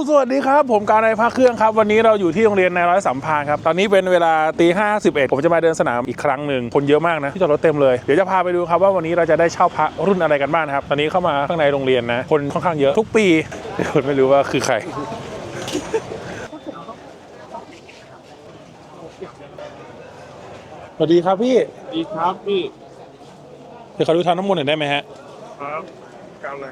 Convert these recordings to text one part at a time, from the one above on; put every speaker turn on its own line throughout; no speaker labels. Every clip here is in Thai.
สวัสดีครับผมการในภาคเครื่องครับวันนี้เราอยู่ที่โรงเรียนนายร้อยสัมพันธ์ครับตอนนี้เป็นเวลาตี 5:11ผมจะมาเดินสนามอีกครั้งหนึ่งคนเยอะมากนะที่จอดรถเต็มเลยเดี๋ยวจะพาไปดูครับว่าวันนี้เราจะได้เช่าพระรุ่นอะไรกันบ้างครับตอนนี้เข้ามาข้างในโรงเรียนนะคนค่อนข้างเยอะทุกปีเดี๋ยวไม่รู้ว่าคือใครสวัสดีครับพี่
ดีครับพี่
เดี๋ยวขอดูทางน้ำมนต์หน่อยได้ไหมฮะ
ครับกลางเลย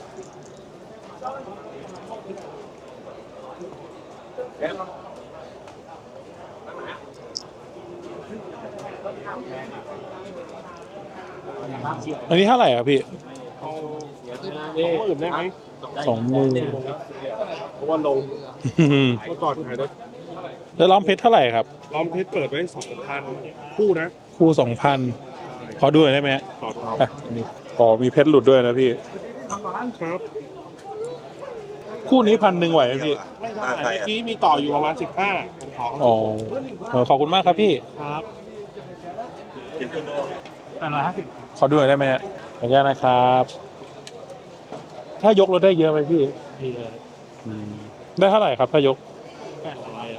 อันนี้เท่าไหร่ครับพี่
เอา20,000ได้ไหม
20,000
เพราะว่าลงเมื่อก่อนขายได้
แล้วล้อมเพชรเท่าไหร่ครับ
ล้อมเพชรเปิดไว้2,000คู่นะ
คู่2,000ขอดูหน่อยได้ไหมฮะ
ต่อทอง
อ๋อมีเพชรหลุดด้วยนะพี่
ครับ
คู่นี้1,000ไหวไหมพี่
ไม่ได้เมื่อกี้มีต่ออยู่ประมาณ15ผมขอ
อ๋อขอบคุณมากครับพี่
ครับ
ขอดูหน่อยได้ไหมฮะขออนุญาตนะครับ ถ้ายกรถได้เยอะไหมพี่
นี่เลย
ได้เท่าไหร่ครับถ้ายก
800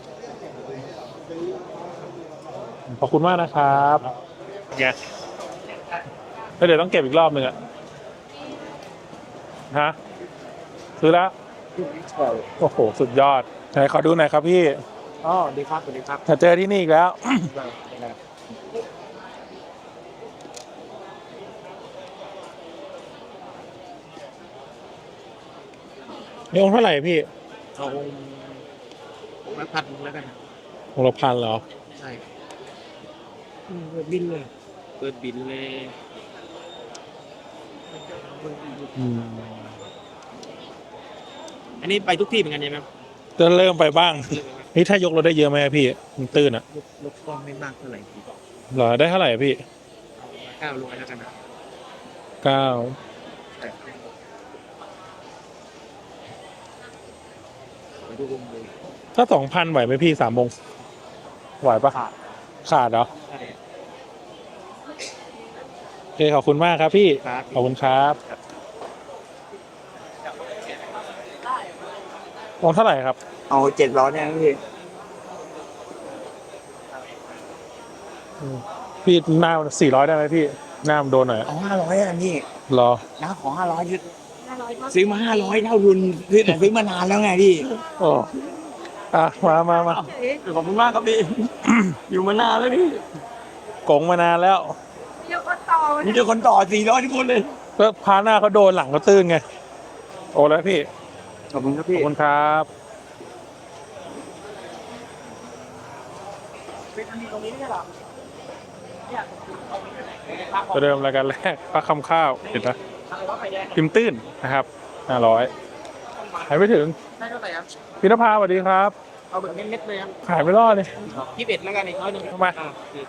ขอบคุณมากนะครับเนี่ยแล้วเดี๋ยวต้องเก็บอีกรอบหนึ่งอะฮะซื้อแล้วโอ้โหสุดยอดไหนขอดูหน่อยครับพี่
อ๋อดีครับสวัสดีครับ
ถ้าเจอที่นี่อีกแล้ว นี่องค์เท่าไหร่พี่
เอา1,000แล้วกัน
องค์ละ1,000เหรอ
ใช่เปิดบินเลยเปิดบินเลย อันนี้ไปทุกที่เหมือนกันใช่ไหมครับ
จะเริ่มไปบ้างนี่ถ้ายกรถได้เยอะไหมพี่มันตื้นอะ
ลดกล้องไม่มากเท่าไหร่พี่
เหรอได้เท่าไหร่พี่
900แล้วกันนะ
9
ไปดูวงเลย
ถ้า2,000ไหวไหมพี่3 โมงไหวปะขาดเหรอ
ใช่
โอเคขอบคุณมากครับพี่
ครับ
ขอบคุณครับองค์เท่าไหร่ครับ
เอา700เนี่ยพี่
พี่หน้า400ได้ไหมพี่หน้ามันโดนหน่อย
เอา500อ่ะพี่
รอ
นะขอ500ยึดซื้อมา500เท่าทุนซื้อมานานแล้วไงพี่
โอ้อ่ะมา
ขอบคุณมากครับพี่ อยู่มานานแล้วพี่
กงมานานแล้ว
มีเจอคนต่อ400ทุกคนเลย
ก็พาหน้าเขาโดนหลังเขาตื้นไงโอ้แล้วพี่
ขอบคุณครับ
ข
พี่
อบคุณครับประเดิมรายการแรกปลาคำข้าวเห็นไหมพิมพ์ตื้นนะครับ500หายไม่ถึง
ได้เท่าไหร่ครับ
พี่นภาสวัสดีครับ
เอาแบบเม็ดๆเลยครับ
ขายไม่รอดเลย
21แล้วกันอีก100
ทำไม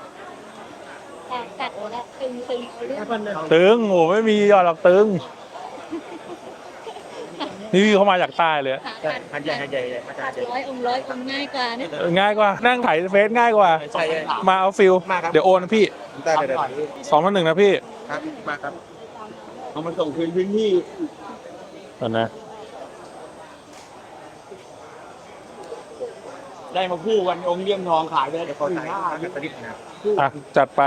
กัดแล้วตึงเอาเรื่อง
ตึงโอ้ไม่มียอดหรอกตึงนี่พี่เขามาจากใต้เลย
หันใหญ่มาจาก
กัด100 องค์ง่ายกว่าเนี่ย
ง่ายกว่านั่งถ่ายเฟซง่ายกว่า
ใช่
มาเอาฟิลเดี๋ยวโอนนะพี่
ได้เลย
2,100นะพี่
ครับมาครับ
เอามาส่งคืนพื้นที่
ก่อนนะ
ได้มาคู่กันองค์เลี่ยมทองขายไปแล้ว
เดี๋ยวขอถ่ายภาพกันประดิษฐ์นะ
อ่ะจัดไป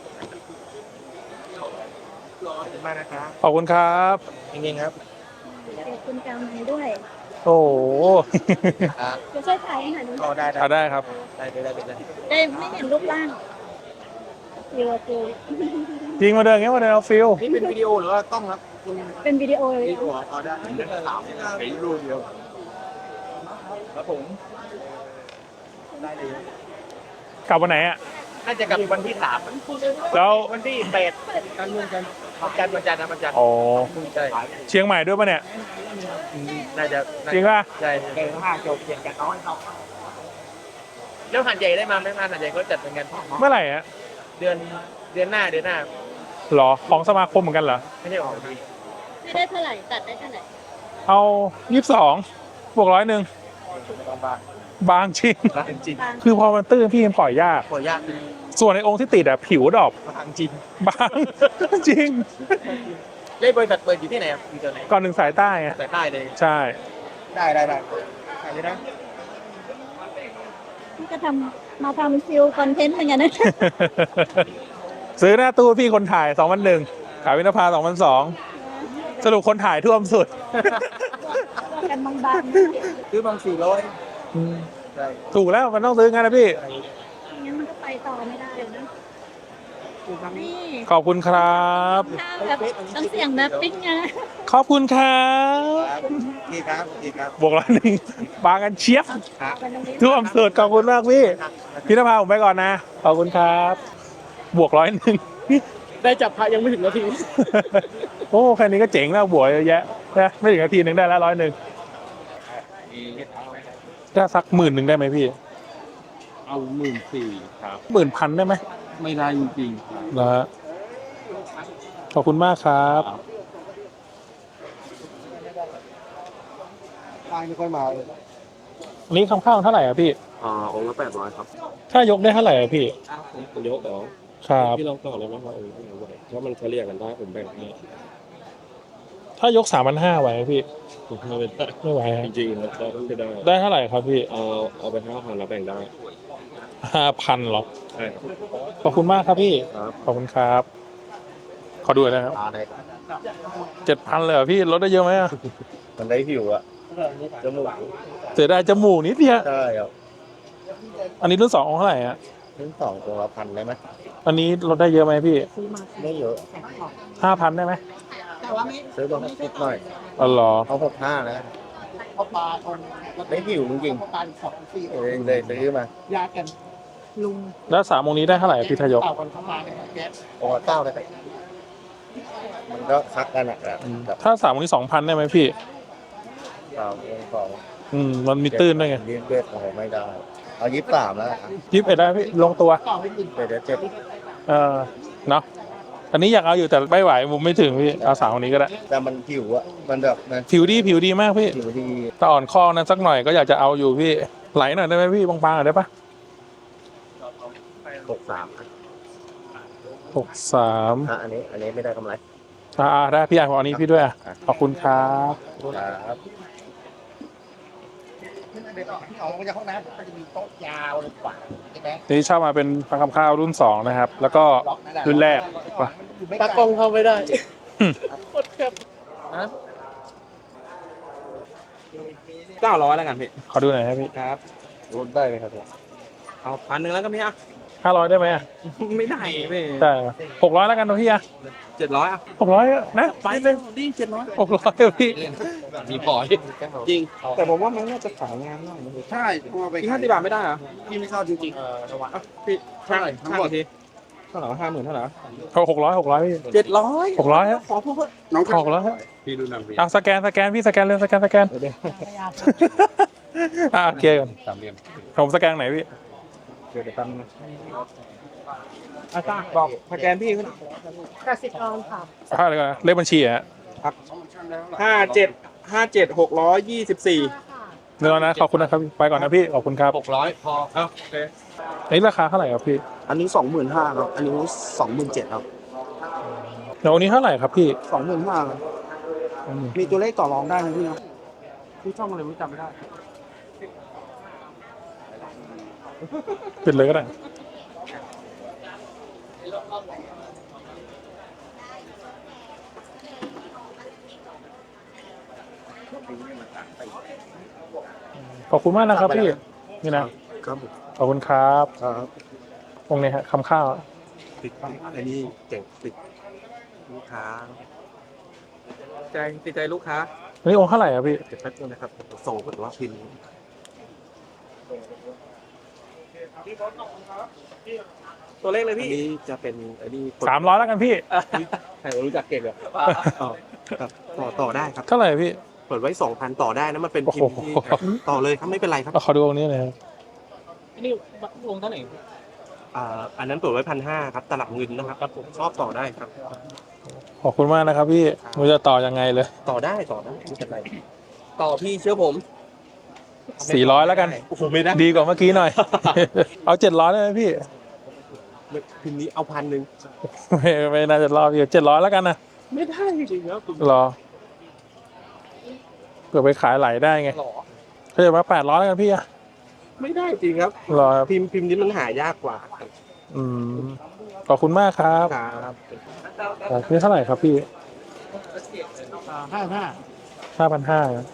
ขอบคุณมากนะครับ
ขอบคุณครับ
จริงๆครับ
เดี๋ยวคุณจำให้ด้วย
โอ้โห
จะช่วยถ่ายให้หน่อยดู
ก็ได้
เอาได้ครับ
ได้
ได้ไม่เห็นรูปร่างเดี๋ยวคือ
จริงมาเดินอย่างเงี้ยมาเดินเอาฟิล
นี่เป็นวิดีโอหรือว่ากล้องครับคุณ
เป็นวิดีโอเลย
วิดีโอเอาได้เดี๋ยวถามเห็นรูปเดียวครับผมได้เลย
กลับวันไหนอ่ะ
น่าจะกลับวันที่3
แล้ว
วันที่8กันวันจันทร์วันจันทร์นะวันจันทร์
อ๋อ
ใช่
เชียงใหม่ด้วยปะเนี่ย
น่าจะ
จริงป่ะ
ใช่เกม5จบเขียนกันน้อยแล้วหันใหญ่ได้มาไหมหันใหญ่ก็จัดเหมือนกัน
เมื่อไหร่อ่ะ
เดือนหน้า
หรอของสมาคมเหมือนกันเหรอ
ไม่ใช่ออกดี
ไม่ได้เท่าไหร่ตัดได้เท่าไหร่
เอา22บวก100บางจริง
รักจริง
คือพอมันตื้นพี่มันปล่อยยาก
ขอยาก
ส่วนในองค์ที่ติดอ่ะผิวดอก
รักจริง
บาง จริง
เลขบริษัทเปิดอยู่ที่ไหนครับอยู่ที่ไหน
ก่อน1 สายใต้ไง
สายใต้เลย
ใช่
ได้ถ่ายเลยนะ
ก็มาทำฟิลคอนเทนต์เหมือนกันนะ
ซื้อหน้าตู้พี่คนถ่าย2001ขายวินภา2002สรุปคนถ่ายท่วมสุด
ว่ากันบาง
ซื้อบาง400ใช่
ถูกแล้วมันต้องซื้องั้นนะพี่
ๆงั้นมันก็ไปต่อไม่ได้เลยนะนี่
ขอบคุณครับ
ข้าวแบบต้องเสียงแบบปิ้งนะ
ขอบคุณครับ
นี่ครับนี่ครับ
บวก101บางกันเชียบ
ไปตรงนี้
ท่วมสุดขอบคุณมากพี่พี่นภาผมไปก่อนนะขอบคุณครับบวก101
ได้จับพระยังไม่ถึงนาที
โอ้แค่นี้ก็เจ๋งแล้วบวกเยอะแยะนะไม่ถึงนาทีหนึ่งได้แล้ว101ถ้าสัก10,000ได้ไหมพี่
เอา14,000ครับ
10,000ได้ไหม
ไม่ได้จริงๆครับ
นะฮะขอบคุณมากครับ
ทางไม่ค่อยมาเลย
อันนี้คำข้างเท่าไหร่อ่ะพี่
องค์ละ800ครับ
ถ้ายกได้เท่าไหร่อ่ะพี่
ผมยกเหรอ
ครับ
พี่ลองต่อเลยไหมว่าเท่าไหร่ถ้ามันเฉลี่ยกันได้ผมแบ่งให้
ถ้ายก3,500ไหวไหมพี่
ผมไม่เป็นได้
ไม่ไหวฮะ
จริงๆเราต้องได้
ได้เท่าไหร่ครับพี่
เอาไป5,000แล้วแบ่งได้
5,000หรอ
ใช่ครับ
ขอบคุณมากครับพี่
ครับ
ขอบคุณครับ ขอดูหน่อยนะครับ
ได้
7,000เลยเหรอพี่ลดได้เยอะไหมอ่ะ
มันได้ผิวอะจมูก
เสียดายจมูกนิดเดียว
ใช่ครับ
อันนี้รุ่น2องค์เท่าไหร่อ่ะ
ทั้ง2ตัวละ1,000ได้ไหม
อันนี้ลดได้เยอะไหมพี่
ไม่เยอะ
5,000ได้ไหม
ซื้อตัวนิดหน่อย
อ๋อเหรอ
เอา65นะได้ผิวจริงๆเลยซื้อมา
แล้ว3องค์นี้ได้เท่าไหร่อะพี่ทายก
โอ้9เลยมันก็คักกันอะแบบ
ถ้า3องค์นี้2,000ได้ไหมพี่
3
มันมีตื้นด้วยไง
2 21โอ้โหไม่ได้ เอา23แล้ว
21ได้พี่ลงตัว
เดี๋ยว7
เนาะอันนี้อยากเอาอยู่แต่ไม่ไหวมุมไม่ถึงพี่เอา3องค์นี้ก็ได้
แต่มันผิวอะมันแบบนะ
ผิวดีมากพี่
ผิวดี
ถ้าอ่อนข้อนั้นสักหน่อยก็อยากจะเอาอยู่พี่ไหลหน่อยได้ไหมพี่บางๆหน่อยได้ปะ
63
63
อันนี้ไม่ได้กำไร
ได้พี่อ่านของอันนี้พี่ด้วยอะขอบคุณครับ
ครับ
นี่เช่ามาเป็นพังคำข้าวรุ่น2นะครับแล้วก็รุ่นแรกว่ะ
ตากล้องเข้าไม่ได้900แล้วกันพี่
ขอดูหน่อยครับพี่
ครับ
ลดได้ไหมครับ
เอา1,000แล้วก็พี่อ่ะ
500ได้ไหมอะ
ไม่ได้พี่
ได้600แล้วกันนะพี่อะ
700อ่ะ
600นะ
ไป
นิด
เล
นึ
ย
ง
ดิ700
600อะพี่
มีพอจริง แต่ผมว่ามันน่าจะขายงานหน่อยนะพี่
ใช่กลัวไป
อีก50 บาทไม่ได้เหรอ
พี่ไม่ชอบจริง
พี่ช่างอีกทีเท่าไหร่50,000เท่าไหร่
เอา600พี่
700
600ฮะ
ขอพูด
น้อง
600ฮะ
พี่ดูนำพี่
เอาสแกนพี่สแกนเลยสแกนโอเคก่อน
สามเหลี่ยม
ผมสแกนไหนพี่
เดี๋ยวตั้งอาจารย์บอกสแกนพี่ขึ้น
กสิกรค่ะ
อะไรกันนะเลขบัญชีอะฮะ
57,624
เนื้อนะขอบคุณนะครับไปก่อนนะพี่ขอบคุณครับ
600พอโอเค
อันนี้ราคาเท่าไหร่ครับพี่
อันนี้ 25,000ครับ อันนี้ 27,000ครับ
เดี๋ยวอันนี้เท่าไหร่ครับพี่
25,000ครับมีตัวเลขต่อรองได้นะพี่นะ
พี่ช่องอะไรไม่จำไม่ได้
ปิดเลยก็ได้ขอบคุณมากนะครับพี่นี่นะครับ ขอบคุณครับ
ครับ
องค์นี้ฮะคำข้าว
ติดอันนี้เก่งติดลูกค้า
ติดใจลูกค้า
อันนี้องค์เท่าไหร่ครับพี่
เก็บแป๊บนึงนะครับ ส่งผลว่าพิมพ์
ตัวเลขเลย
อัน
พี่
นี้จะเป็นอันนี้
300แล้วกันพี่
ใครรู้จักเก่งเหรอ
ครับต่อได้ครับ
เท่าไหร่พี่
เปิดไว้ 2,000 ต่อได้นะ มันเป็นพิมพ์ที่
โอ้โห
ต่อเลยครับไม่เป็นไรครับ
ขอดูองค์นี้หน่อยครับ
นี่วงเท่าไหร่
อันนั้นเปิดไว้ 1,500 ครับ ตลับเงินนะครับผมชอบต่อได้ครับ
ขอบคุณมากนะครับพี่ไม่รู้จะต่อยังไงเลย
ต่อได้ไม่เป็นไร
ต่อพี่เชื่อผม
400แล้วกัน
โอ้โหไม่ได้
ดีกว่าเมื่อกี้หน่อย เอา700ได้ไหมพี่
พิมพ์นี้เอา1,000
ไม่น่าจะรอบพี่700แล้วกันนะ
ไม่ได้จริงๆแล้ว
รอเผื่อไปขายไหลได้ไง
หรอ
เขาจะมา800แล้วกันพี่อะ
ไม่ได้จริงครับ
รอครับ
พิมพ์นี้มันหายากกว่า
อืมขอบคุณมากครับ
ครับ
นี่เท่าไหร่ครับพี่
55
5,500ครับ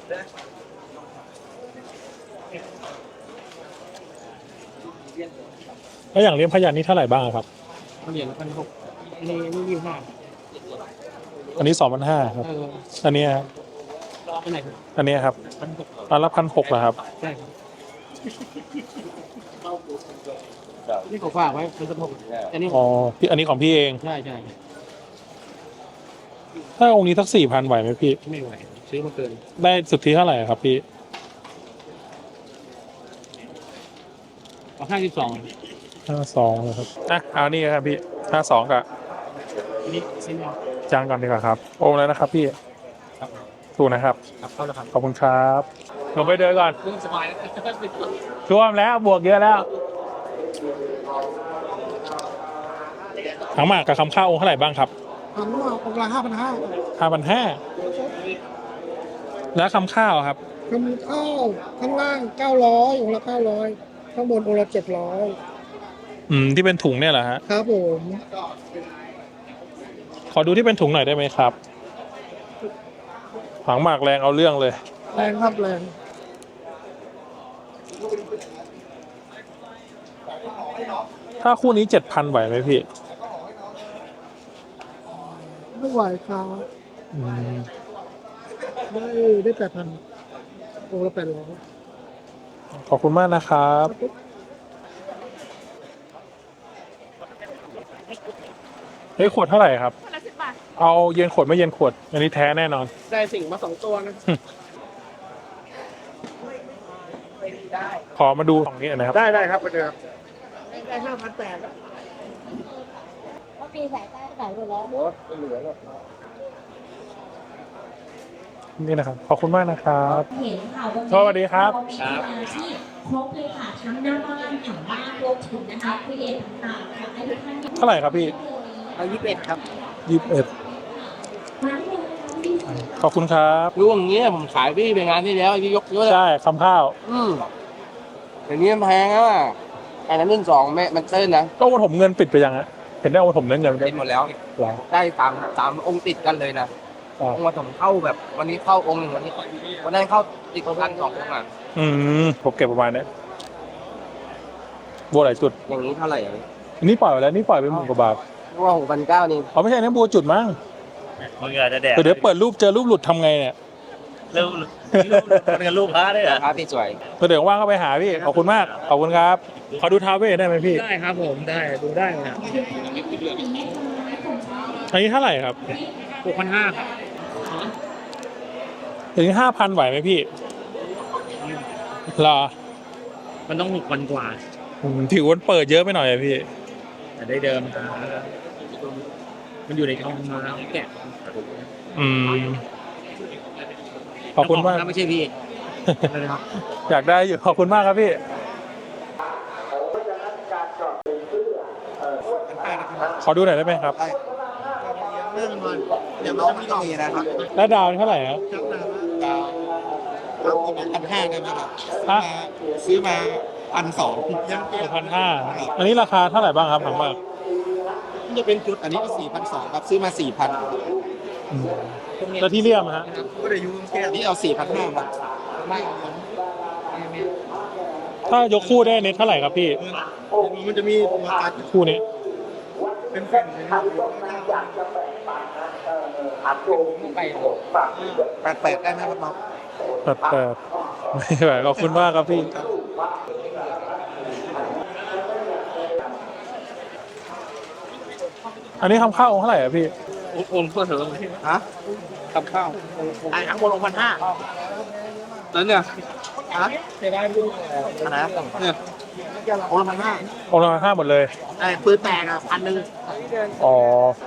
แล้วอย่างเลี้ยงพยัญชนะนี่เท่าไหร่บ้างครับ
เหรียญ1,600นี่25
อันนี้2,500ครับ อันนี้ครับ
อันไหนครับ
อันนี้ครับ
1,600
อันละ1,600เหรอครับ
ใช่ครับนี่เขาฝากไว้1,600อันนี้
อ๋อพี่อันนี้ของพี่เอง
ใช่
ถ้าองค์นี้สัก4,000ไหวไหมพี่
ไม่ไหวซื้อมาเกิน
ได้สุทธิเท่าไหร่ครับพี่
เอา52
52เลยครับอ่ะเอานี่ครับพี่52กับ
นี่ชิ้นเดียว
จานก่อนดีกว่าครับองค์แล้วนะครับพี่
ครับ
ถูกนะครับ
ครับเข้าแล้วครับ
ขอบคุณครับผมไปเดินก่อน
เรื่องสบายแล้ว
ท่วมแล้วบวกเยอะแล้วถังหมากกับคำข้าวองค์เท่าไหร่บ้างครับ
ถังหมากองค์ละ
5,500แล้วคำข้าวครับ
ทำข้าวข้างล่าง900องค์ละ900ข้างบนองค์ละ700
ที่เป็นถุงเนี่ยเหรอฮะ
ครับผม
ขอดูที่เป็นถุงหน่อยได้ไหมครับถังหมากแรงเอาเรื่องเลย
แรงครับแรง
ถ้าคู่นี้7,000ไหวไหมพี่
ไม่ไหวครับ
อืม
ได้8,000องค์ละ800
ขอบคุณมากนะครับเฮ้ยขวดเท่าไหร่ครับ
คนละ10 บาท
เอาเย็นขวดไม่เย็นขวด อันนี้แท้แน่นอน
ได้สิ่งมา2ตัวนะ
ขอมาดูของนี้หน่อยนะครับ
ได้ครับไปเจอได้5,800
เพราะปีสายใต้ขายหมดแล้ว
หมดเหลือแล้ว
นี่นะครับ ขอบคุณมากนะครับ
เห็นค่ะวันนี้
สวัสดีครับ
เามีมาที่ครบเลยค่ะทั้งหน้าบ้านหลังบ้านรวมถึงนะคะคุยเอ็นต่างๆค่ะให้ทุกท่าน
เท่าไหร่ครับพี่
เอา21ครับ
ขอบคุณครับ
รู้อย่างเงี้ยผมขายพี่ไปงานที่แล้วที่ยกเยอะเลย
ใช่คำข้าว
อย่างนี้มันแพงอ่ะอันนั้นรุ่น2แม่มันเติ้ลนะ
ก็วันผมเงินปิดไปยังฮะเห็นได้วันผมเงิน
ปิดหมดแล้ว
หรอ
ได้3องค์ติดกันเลยนะ
อ๋อ
องค์มาผมเข้าแบบวันนี้เข้าองค์หนึ่งวันนั้นเข้าติดกัน2องค์อ่ะ
ผมเก็บประมาณนี้บัวหลายจุด
อย่างนี้เท่าไหร่อ่ะ
อันนี้ปล่อยไปแล้วนี่ปล่อยไป10,000 กว่าบาท
เพราะว่า6,900นี่
อ๋อไม่ใช่นะบัวจุดมั้ง
มึงอาจจะแดก
เดี๋ยวเปิดรูปเจอรูปหลุดทำไงเนี่ย
เร็วมันกันลูกค้าได้เหรอ
ครับพี่สวย
เดี๋ยวว่างก็ไปหาพี่ขอบคุณมากขอบคุณครับขอดูท้าวเวสได้ไหมพี่
ได้ครับผมได้ดูได้นะ
อันนี้เท่าไหร่ครับ
6,500ครับ
ถึง5,000ไหวไหมพี่รอ
มันต้อง6,000กว่า
ถือวันเปิดเยอะไปหน่อยอะพี่
แต่ได้เดิมนะมันอยู่ในกองมาแกะ
ขอบคุณมาก
ไม่ใช่พี่นะครับ
อยากได้อยู่ขอบคุณมากครับพี่ขอดูหน่อยได้ไหมครับ
เรื่องมันอย่างน้องไม่ต้องมีนะครับ
แล้วดาวนี่เท่าไหร่ครับ
ครับ1,500ได้ไหมครับ
ฮะ
ซื้อมา1,200ยัง
1,500อันนี้ราคาเท่าไหร่บ้างครับถังมาก
มันจะเป็นจุดอันนี้ก็4,200ครับซื้อมา 4,000
แล้วที่เลี่ยมฮะ
ก็ได้ยูแค่นี้เอา 4,500ครับไม่
ถ้ายกคู่ได้เน็ตเท่าไหร่ครับพี่
มันจะมีตัวการ
คู่นี้
เป็นเส้น8,800ได้ไหมครับน้อง
แต่ไม่ไหวขอบคุณมากครับพี่อันนี้คำข้าวองค์เท่าไหร่อะพี่
โอนเพื่อเถอะฮะกับข้าวไอ้ทั้งหมด6,500แล้วเนี่ยฮะได้ดูอะไรเนี่ยโอน1,500
องค์ละ5หมดเลย
ไอ้ปืนแตกอ่ะ1,000
อ๋อ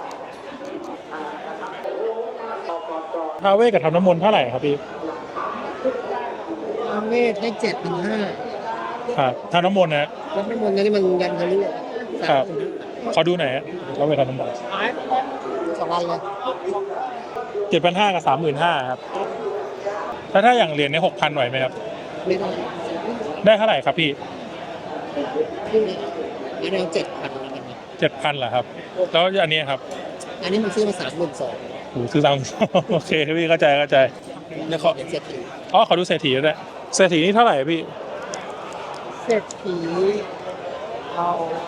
ท้าวเวสกับทำน้ำมนต์เท่าไหร่ครับพี่
เมธได้7,500
ครับทำน้ำมนต์นะ
แล้วไม่หมดนี่มันยันทะลุ
ครับขอดูหน่อยฮะท้าวเวสทำน้ำมนต์
2 วันเลย
7,500กับ35,000ครับแล้วถ้าอย่างเหรียญใน6,000ไหวไหมครับ
ไม่ได้
ได้เท่าไหร่ครับพี่
อันนี้7,000นะครับ
7,000เหรอครับ แล้วอันนี้ครับ
อันนี้มันซื้อมา32,000
โอ้ซื้อตาม โอเคพี่เข้าใจเนี่ยขอ
เป็นเศรษฐี
อ๋อขอดูเศรษฐีด้วยเศรษฐีนี่เท่าไหร่พี่
เศรษฐีเอา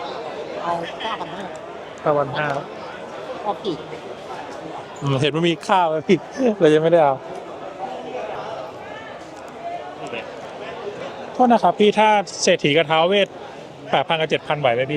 9,500
9,500
เอากี่
เห็นมันมีข้าวไหมพี่เรายังไม่ได้เอาโทษนะครับพี่ถ้าเศรษฐีกับท้าวเวท8,000 กับ 7,000ไหวไหมพี่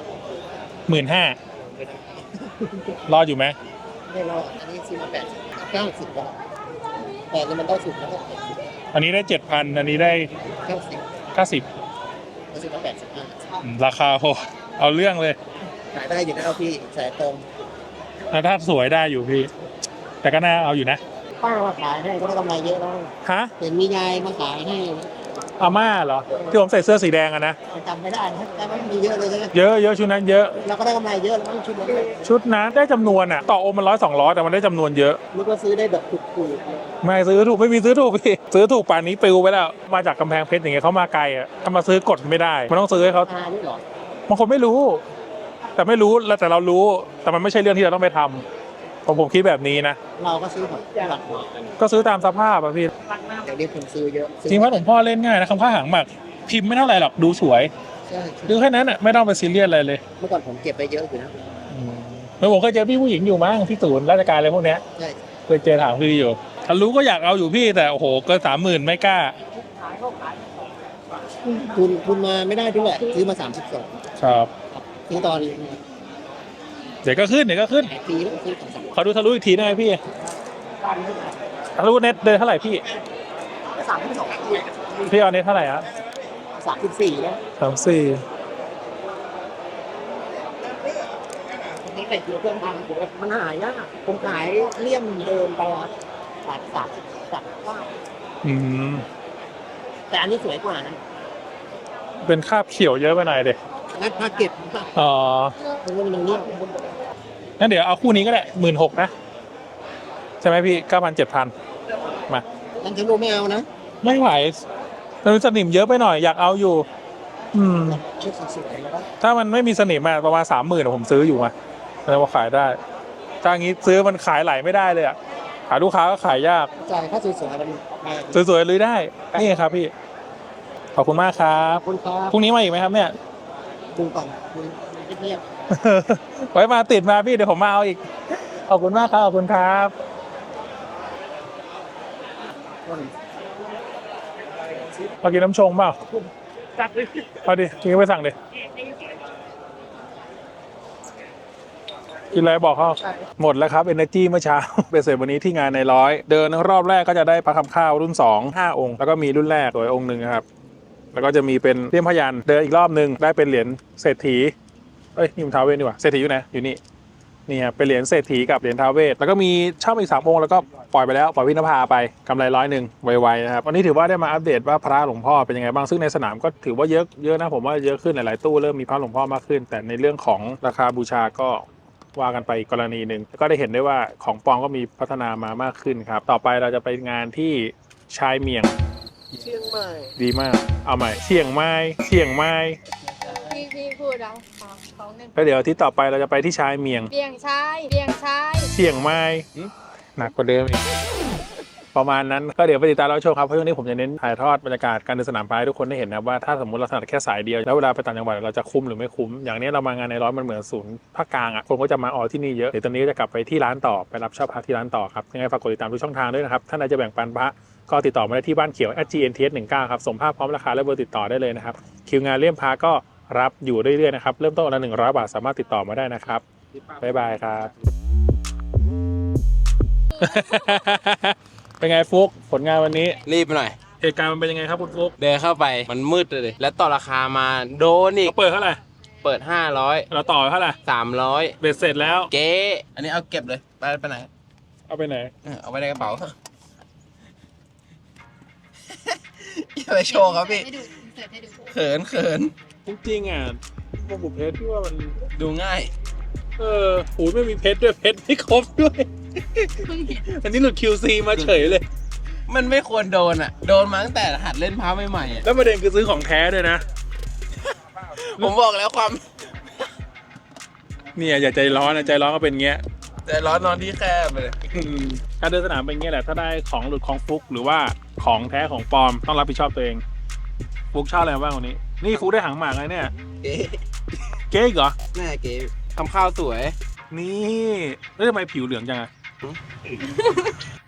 15,000รอดอยู่ไหม
ไม่รอดอันนี้ซื้อมา90 บาทแต่นี่มันได้สุดแล้วก็80
อันนี้ได้ 7,000 อันนี้ได้
90
90
มันซื้อมา85
ราคาโหเอาเรื่องเลย
ขายได้อยู่แล้วพี่สายตรง
ถ้าสวยได้อยู่พี่ แต่ก็น่าเอาอยู่นะ
ป้ามาขายให้ก็ได้กำไรเยอะแล้ว
ฮะ
เห็นมียายมาขายให้
อาม่าเหรอที่ผมใส่เสื้อสีแดงอะนะ
จำไม่ได้นะแต่มันมีเยอะเลยใช่ไหม
เยอะชุดนั้นเยอะ
เราก็ได้กำไรเยอะแล้วชุดนั้น
ชุดนั้นได้จำนวนอะต่อองค์มัน100-200แต่มันได้จำนวนเยอะ
นึกว่าซื้อได้แบบถูก
ไม่ซื้อถูกไม่มีซื้อถูกพี่ซื้อถูกป่านนี้ปลิวไปแล้วมาจากกำแพงเพชรอย่างเงี้ยเขามาไกลอะถ้ามาซื้อกดไม่ได้มันต้องซื้อให้เขา
นี่หรอบ
างคนไม่รู้ แต่ไม่รู้แล้วแต่เรารู้ แต่มันไม่ใช่เรื่องที่เราต้องไปทำผมคิดแบบนี้นะ
เราก็ซื้อของหลัก
ก็ซื้อตามสภาพอะพี่
เดี๋ยวนี้ผมซื้อเยอะ
จริงว่าหลวงพ่อเล่นง่ายนะคำผ้าหางหมักพิมพ์ไม่เท่าไหร่หรอกดูสวย
ใช่
ดูแค่นั้นอะไม่ต้องไปซีเรียสอะไรเลย
เมื่อก่อนผมเก็บไปเยอะอยู่นะ
เมื่อผมเคยเจอพี่ผู้หญิงอยู่มั้งที่ศูนย์ราชการอะไรพวกเนี้ย
ใช่
เคยเจอถามพี่อยู่ถ้ารู้ก็อยากเอาอยู่พี่แต่โอ้โหเกิน30,000ไม่กล้า
คุณมาไม่ได้ด้วยซื้อมา32
ครับ
ซื้อตอน
เดี๋ยวก็ขึ้น
หลายปีแล้วซื้อของ
ขอดูทะลุอีกทีได้ไหมพี่ทะลุเน็ตเดินเท่าไหร่พี่
32
พี่เอาเน็ตเท่าไหร่อะ
34แล้ว
34
นี่แต่อยู่เครื่องทางมันหายากผมขายเลี่ยมเดินไป30
อืม
แต่อันนี้สวยกว่านะ
เป็นคราบเขียวเยอะไปหน่อยเด็
งัดผ้าเก็บ
อ๋อ
มันเลี่ยม
งั้นเดี๋ยวเอาคู่นี้ก็ได้16,000นะใช่ไหมพี่9,000 7,000มา
นั่นฉันรู้ไม่เอานะ
ไม่ไหวมันสนิมเยอะไปหน่อยอยากเอาอยู่
ชุดสวยๆแล้ว
ถ้ามันไม่มีสนิมอะประมาณ30,000ผมซื้ออยู่มาแล้วมาขายได้ถ้างี้ซื้อมันขายไหลไม่ได้เลยอะหาลูกค้าก็ขายยาก
จ่ายค่าสวยๆมัน
สวยๆเลยได้นี่ครับพี่ขอบคุณมากครับ
คุณครับ
พรุ่งนี้มาอีกไหมครับเนี่ย
คุณก่อนคุณเงียบ
ไว้มาติดมาพี่เดี๋ยวผมมาเอาอีกขอบคุณมากครับขอบคุณครับมากินน้ำชงเปล่าเอาดิกินไปสั่งดิกินอะไรบอกเขาหมดแล้วครับ Energy เมื่อเช้า ไปเสร็จวันนี้ที่งานในร้อยเดินรอบแรกก็จะได้พระคำข้าวรุ่น2 5 องค์แล้วก็มีรุ่นแรกสวยองค์หนึ่งครับแล้วก็จะมีเป็นเลี่ยมพยัญชนะเดินอีกรอบหนึ่งได้เป็นเหรียญเศรษฐีเอ้ยนี่มันท้าวเวสดีกว่าเศรษฐีอยู่ไหนอยู่นี่นี่ครับเป็นเหรียญเศรษฐีกับเหรียญท้าวเวสแล้วก็มีเช่าอีก3 องค์แล้วก็ปล่อยไปแล้วปล่อยวินภาไปกำไร100ไวๆนะครับวันนี้ถือว่าได้มาอัปเดตว่าพระหลวงพ่อเป็นยังไงบ้างซึ่งในสนามก็ถือว่าเยอะนะผมว่าเยอะขึ้นหลายๆตู้เริ่มมีพระหลวงพ่อมากขึ้น แต่ในเรื่องของราคาบูชาก็ว่ากันไปอีกกรณีหนึ่งแล้วก็ได้เห็นได้ว่าของปลอมก็มีพัฒนามามากขึ้นครับต่อไปเราจะไปงานที่ชายเมียง
เชียงใหม่
ดีมากเอาใหม่เชียงไม้
พี่พูดเอาของหนึ่ง
แล้วเดี๋ยวอาที่ต่อไปเราจะไปที่ชายเมียง
เบี่ยงชาย
เชียงไม้หนักกว่าเดิมอีกประมาณนั้นก็เดี๋ยวไปติดตามเราชมครับเพราะช่วงนี้ผมจะเน้นถ่ายทอดบรรยากาศการเดินสนามพายให้ทุกคนได้เห็นนะครับว่าถ้าสมมติเราถนัดแค่สายเดียวแล้วเวลาไปต่างจังหวัดเราจะคุ้มหรือไม่คุ้มอย่างนี้เรามางานในร้อยมันเหมือนศูนย์ภาคกลางอ่ะคนก็จะมาออที่นี่เยอะเดี๋ยวตอนนี้ก็จะกลับไปที่ร้านต่อไปรับเช่าพระที่ร้านต่อครับยังไงฝากกดติดตามทุกช่องทางด้วยนะครับถ้าใครจะแบ่งปันพระก็ติดต่อมาได้ที่บ้านเขียว @gnts19 ครับส่งภาพพร้อมราคาและเบอร์ติดต่อได้เลยนะครับคิวงานเลี่ยมพระก็รับอยู่เรื่อยๆนะครับเริ่มต้นละ100 บาทสามารถติดต่อมาได้นะครับบ๊ายบายครับ เป็นไงฟุกผลงานวันนี้
รีบไปหน่อย
เหตุการณ์มันเป็นยังไงครับคุณฟุก
เดินเข้าไปมันมืดเลยแล้วต่อราคามาโดนอีก
เขาเปิดเท่าไหร่
เปิด500
เราต่อเท่าไหร่
300
เบ็ดเสร็จแล้ว
เก๊อันนี้เอาเก็บเลยไปไหน
เอาไปไหน
เอาไว้ในกระเป๋าอย่าไปโชว์ครับพี่เขิน
จริงๆอ่ะพวกบุพเพชรที่ว่ามัน
ดูง่าย
หูไม่มีเพชรด้วยเพชรไม่ครบด้วย อันนี้หลุด QC มาเฉยเลย
มันไม่ควรโดนอ่ะ โดนมาตั้งแต่หัดเล่นพาใหม่ๆอ่ะ
แล้วประเด็นคือซื้อของแท้ด้วยนะ
ผมบอกแล้วความ
เนี่ยอย่าใจร้อนนะใจร้อนก็เป็นเงี้ย
ใจร้อนนอนที่แคบไปเลย
การเดินสนามเป็นเงี้ยแหละถ้าได้ของหลุดของฟุกหรือว่าของแท้ของปลอมต้องรับผิดชอบตัวเองฟุกชอบอะไรบ้างวันนี้นี่ฟุกได้หางหมากเลยเนี่ย
เก๋
เก๊กเหรอ
แม่เก๋ทำข้าวสวย
นี่แล้วทำไมผิวเหลืองจังอะ